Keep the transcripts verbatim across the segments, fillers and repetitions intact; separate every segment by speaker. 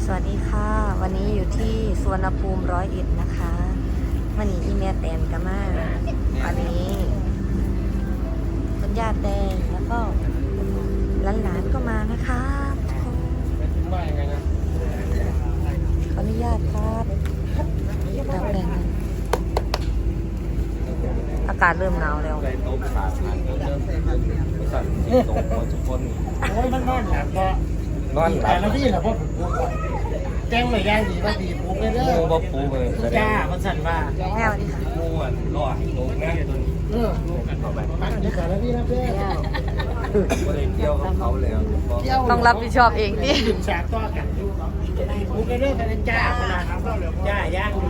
Speaker 1: สวัสดีค่ะวันนี้อยู่ที่สวนภูมิร้อยเอ็ดนะคะวันนี้อีเมลแตนกันมาวันนี้คุณญาติแดงแล้วก็หลานๆก็มานะคะขออนุญาตครับรับแดงอากาศเริ่มหนาวแล้ว
Speaker 2: โต๊ะขาดเริ่มสั่นโต๊ะทุกคนโอ้ยมันนอนหลับก็นอนหลับแล้วพี่เหรอพ่อผมพูดก่อนแจ้งหน่อยย่างดีว่าดีปุ๊บเลยเด้อปุ๊บปุ๊บเลยจ้ามันสั่นว่า
Speaker 1: แม่วันนี้ค่ะ
Speaker 2: ปุ๊บรอดโต๊ะนะเออปันนี่ขาแล้วพี่นะเพื่อนก็เลยเที่ยวกับเขาแล้ว
Speaker 1: ต้องรับผิดชอบเองดิ
Speaker 2: ดื่มฉากต่อกันปุ๊บเลยเด้อกันจ้าขนาดจ้าย่างดี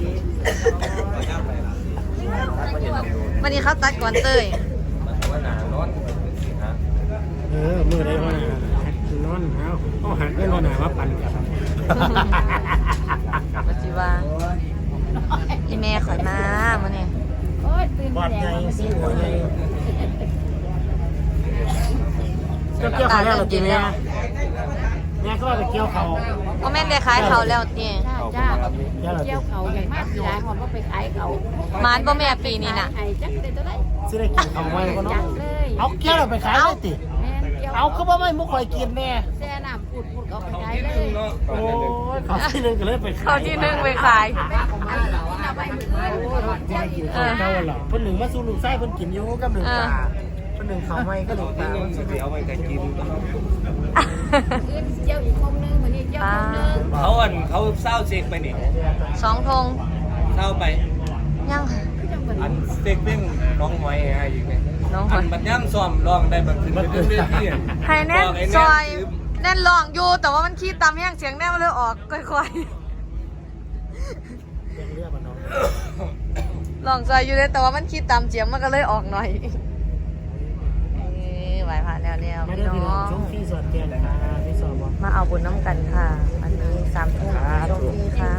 Speaker 1: วันนี้เขาตัดก่อนเต้ย
Speaker 2: มันว่าหนานอนฮะ
Speaker 3: เออมือได้ว่านอนเอาเอาหันไปนอนหนาว่าปั่นกัน
Speaker 1: ปัจจุบันอีเมลข่อยมามื่อนี้
Speaker 4: โอ้ยตื่น
Speaker 3: บอด
Speaker 4: แด
Speaker 3: ใหญ่
Speaker 4: ง
Speaker 3: สิหัวใหญ่ก็เกี่ยวเขาแล้วหรอจริงเนี่ยแม่ก็ว่าไปเกี่ยวเขา
Speaker 1: ก็แม่นได้ขายเขาแล้วตี
Speaker 4: จ้าจ้าเกี่ยวเขาอย่างมากสีหลายหอมก็ไปขายเขา
Speaker 1: มานบ่แม่ปีนี้น่ะ
Speaker 4: ไอ้จักได้ตัวไหน
Speaker 3: สิได้กินเขาไว้ก็
Speaker 4: จั
Speaker 3: เนาะ
Speaker 4: กเลย
Speaker 3: เอาเกี่ยวเราไปขายได้ติ
Speaker 4: แม่เกี่ยว
Speaker 3: เอาเขาบ่ไม่มุกคอยกินแน่
Speaker 4: แซ่น้ำปูดปูดเอาไปขาย
Speaker 2: ที่
Speaker 4: เล
Speaker 2: นึง
Speaker 4: ย
Speaker 2: เนาะ
Speaker 3: โอ้ยเขาที่นึงก็เลยไป
Speaker 1: เขาที่นึ่งไปขาย
Speaker 4: เอาไปเหมือนกัน
Speaker 3: โอ้ยแม่กินเขาเก่าหรอเพิ่นหนึ่งมาสู่ลูกไส้เพิ่นกินอยู่กับหนึ่งปลาเพิ่นหนึ่งเขาไม่ก็หนึ่งป
Speaker 2: ที่
Speaker 3: ลา
Speaker 2: นึงสิเอาไปแต่กิน
Speaker 4: ขึ้นเกี่ยวอีกคงนึงเหมือนนี่เกี่ยวคงนึง
Speaker 2: เขาอันเขาเศร้าเซ็กไปนี่
Speaker 1: สองธง
Speaker 2: เศร้าไป
Speaker 1: ยังค่ะ
Speaker 2: อันเซ็กเพ่งน้องหอยให้อีกเนี่ย
Speaker 1: น้องห
Speaker 2: อั
Speaker 1: อย
Speaker 2: นบัดย่ำซ้อมร้องได้บัดขึ้นไปเรื่อยๆที่
Speaker 1: ให้แน่นซอยแน่นลองอยู่แต่ว่ามันขี้ตามแห้งเสียงแน่มันเลยออกค่อย
Speaker 3: เรียกมันน้อง
Speaker 1: ๆลองซอยอยู่เลยแต่ว่ามันขี้ตามเจียงมันก็เลยออกหน่อยเอ้ยไหวผ่านแล้วแล้ว
Speaker 3: มา
Speaker 1: พี่
Speaker 3: เด้อ
Speaker 1: น้
Speaker 3: พี่น้
Speaker 1: อ
Speaker 3: อง
Speaker 1: ง
Speaker 3: ช่วงที่สวดเทียนนะคะที่สวดบอก
Speaker 1: มาเอาบุญน้ำกันค่ะอันนี้สามทุ่มช่วงที่ค่ะ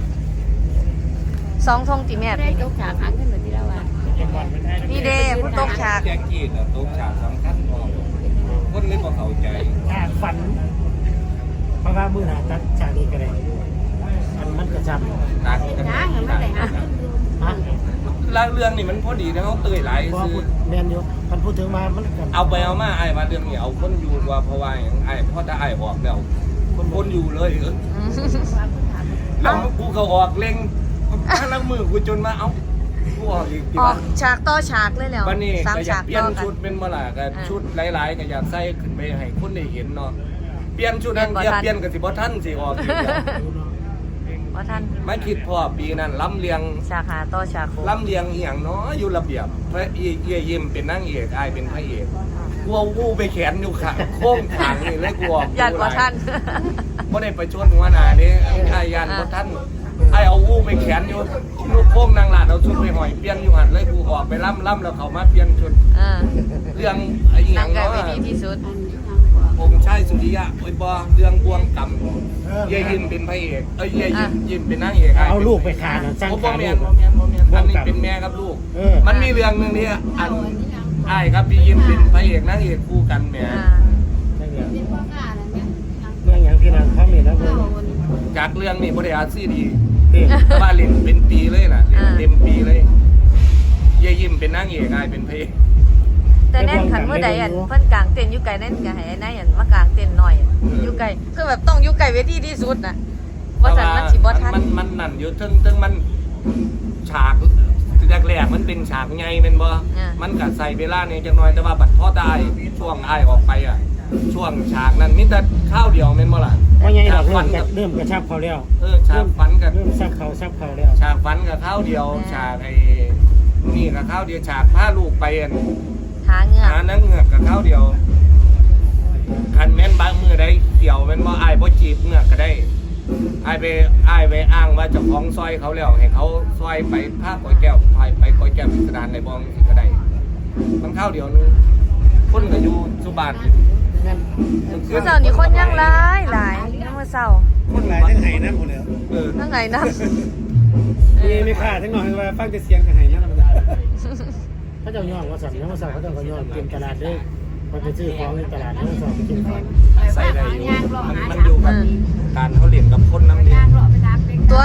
Speaker 1: สองทงติแม่
Speaker 4: ได้ยกฉากหางขึ้นเหมือนที่เราว่า
Speaker 1: นี่เด้ผู้ตกฉาก
Speaker 2: แจ็คกี้น่ะตกฉากสำคัญพอคนเลยบ่เข้าใจ
Speaker 3: ฉากฝันเพราะว่ามือหนาตัดฉากนี้ก็ได้อันมันกระชับ
Speaker 2: ตักกัน
Speaker 4: ช้างมันได้หางขึ้นดู
Speaker 3: ฮะ
Speaker 2: ลางเรื่องนี่มันพอดีนะเขาเตยหลาย
Speaker 3: พอ
Speaker 2: ซื้อ
Speaker 3: พูดแมนอยู่มันพูดถึงมามันกัน
Speaker 2: เอาไปเอามาไอ้มาเรื่องนี้เอาคนอยู่ว่าเพราะว่าอย่างไอ้พ่อจะไอ้ออกแล้วคนคนอยู่เลยเออ
Speaker 1: อืม
Speaker 2: แล้วกูเขาออกเล็งแล้วมือกูจนมาเอ้ากูออกอีกที
Speaker 1: ออกฉากต่อฉากเลยแล้ว
Speaker 2: วันนี้
Speaker 1: สาม
Speaker 2: ก็อยา
Speaker 1: ฉาก ก
Speaker 2: เปลี่ย
Speaker 1: ต่
Speaker 2: น
Speaker 1: อกั
Speaker 2: ชุด
Speaker 1: น
Speaker 2: เป็นเมื่อไหร่ก็
Speaker 1: อ่า
Speaker 2: ชุดหลายๆก็อยากใส่ขึ้นไปให้คนได้เห็นเนาะเปลี่ยนชุดนั้น
Speaker 1: เปลี่
Speaker 2: เปลี่
Speaker 1: ย
Speaker 2: ย
Speaker 1: น
Speaker 2: น
Speaker 1: บ่ทัน
Speaker 2: เปลี่ยนกับสิบ่ท่านสิออกอีกแล้ว
Speaker 1: ว่าท่าน
Speaker 2: ไม่คิดพ่อปีนั้นล้ำเลียง
Speaker 1: ฉากหาต่อฉากโค
Speaker 2: ล้ำเลียงอีหยังเนาะอยู่ระเบียบพระเอียยิ้มเป็นนางเอกไอ้เป็นพระเอกกลัววูไปแขนอยู่ขาโค้งขางนี่เลยกลัว
Speaker 1: ยันว่าท่าน
Speaker 2: บ่ได้ไปชวนหัวหน้าเด้ไอ้ยันบ่ท่านไอ้เอาวูไปแขนอยู่ลูกโค้งนางหลาดเอาชุดไปห้อยเปลี่ยนอยู่หันเลยกูออกไปล่ำล่ำแล้วเขามาเปลี่ยนชุด
Speaker 1: เออ
Speaker 2: เรื่องไอ้ห
Speaker 1: หนั
Speaker 2: ยัง ง
Speaker 1: กัน
Speaker 2: เนาะ
Speaker 1: วิธีที่สุด
Speaker 2: องค์ชายสุริยะโอ้ยบ่เรื่องบวงกำยายยิ้มเป็นพระเอกเอ้ยยายยิ้มยิ้มเป็นนางเอก
Speaker 3: เอาลูกไปขานะสร้าง
Speaker 2: บ่
Speaker 3: ขา
Speaker 2: แม่
Speaker 3: ลู
Speaker 2: น
Speaker 3: ก
Speaker 2: บ่แม่นบ่แม่นอันนี้เป็นแม่กับลูก
Speaker 3: เออ
Speaker 2: มันมีเรื่องนึงนี่อันไอ้ครับพี่ยิ้มเป็นพระเอกนางเอกคู่กันแหม
Speaker 1: อ่า
Speaker 3: นั่นแหละ
Speaker 4: เป็นพ่อข้าอะไรเนี่ย
Speaker 3: เรื่องอย่างพี่นางเขามีแล้วเพื่อน
Speaker 2: จากเรื่องนี้บ่ได้อาซีดี
Speaker 3: เด็ก
Speaker 2: แต่ว่าเล่นเป็นปีเลยน่ะเล่นเต็มปีเลยยายยิ้มเป็นนางเอกไอ้เป็นพระเอก
Speaker 1: แต่แน่นขันเมื่อใดอันเพิ่นกลางเต็นท์อยู่ไกลแน่นก็ให้นายอันมากลางเต็นท์หน่อยอยู่ไกลคือแบบต้องอยู่ไกลเวทีที่สุดน่ะว่าซั่นมันสิบ่ทัน
Speaker 2: มันมันนั่นอยู่ถึงถึงมันฉากแรกๆมันเป็นฉากใหญ่แม่นบ่มันก็ใส่เวลานี่จังน้อยแต่ว่าบัดพอได้ช่วงอ้ายออกไปอ่ะช่วงฉากนั้นมีแต่ข้าวเดียวแม่นบ่ล่ะ
Speaker 3: ว่าไงเรา
Speaker 2: ฟั
Speaker 3: เริ่ม
Speaker 2: กับ
Speaker 3: เริ่มกระชับเขาแล้ว
Speaker 2: เออฉากฟันกับ
Speaker 3: เริ่มซับเขาซับเขาแล้ว
Speaker 2: ฉากฟันกับข้าวเดียวฉากไอ้นี่กับข้าวเดียวฉากพาลูกไปอัน
Speaker 1: หาเหงือก
Speaker 2: หานังเหงือกกับข้าวเดียวคันแม่นบางมือได้เกี่ยวแม่นบ่อ้ายบ่จีบเหงือกก็ได้อ้ายไปอ้ายไปอ้างว่าเจ้าของซอยเขาแล้วให้เขาซอยไปพาก้อยแก้วไปไปก้อยแก้วพิสดารในบ้องสิก็ได้มันข้าวเดียวนึงคนก็อยู่สุบาน
Speaker 1: เมื่อเช้านี้คนยังหลายหลายเมื่อเช้า
Speaker 3: คนหลายทั้งไห้น้ำหมดเลย
Speaker 2: เออ
Speaker 1: ทั้งไงนะ
Speaker 3: มีไม่ค่าทั้งหน่อยว่าฟังแต่เสียงกับไห้น้ำเขาจะย่องว่าสั่งว่าสั่งเขาจะก็ย่องเตรียมตลาดด้วยมันไปซื้อของในตลาดแล้วสอบไปกินของ
Speaker 2: ใส่ได้อยู่มันมันอยู่กับการเขาเรียนกับคนน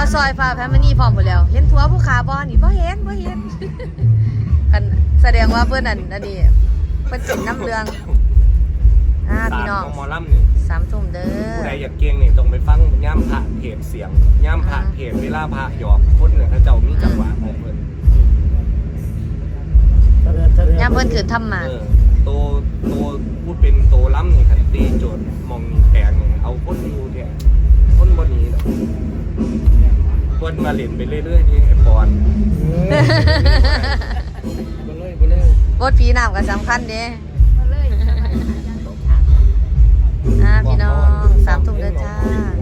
Speaker 1: ซอยฟ้าแพมนี่พร้อมหมดแล้ว เห็นทัวผู้ขาบอนี่บ่เห็นบ่เห็น กันแสดงว่าเพื่อนอันอันนี้เพื่อนเป็นน้ำเรืองอ่าพี่น้อง
Speaker 2: ตามของหมอลำนี่
Speaker 1: สามทุ่มเด้อ
Speaker 2: ผู้ใดอยากเก่งนี่ต้องไปฟังย่ำผ่าเพจเสียงย่ำผ่าเพจเวลาผ่าหยอกคนเนี่ยเขาเจ้ามีจังหวะของเพิ่น
Speaker 1: ย่ามเพื่อนคือทำมา
Speaker 2: เออโตโตพูดเป็นโตล้ำนี่คันตีโจทย์มองนี่แปลงนี่เอาคนอยู่แท้คนบ่หนี้ดอกเพิ่นมาเล่นไปเรื่อยๆนี่ไอ้ปอน
Speaker 3: บ่เลยบ่เลย
Speaker 1: บทผีน้ำก็สำคัญเด้
Speaker 4: เอาเลย
Speaker 1: อ่าพี่น้องสามทุ่มเด้อจ้า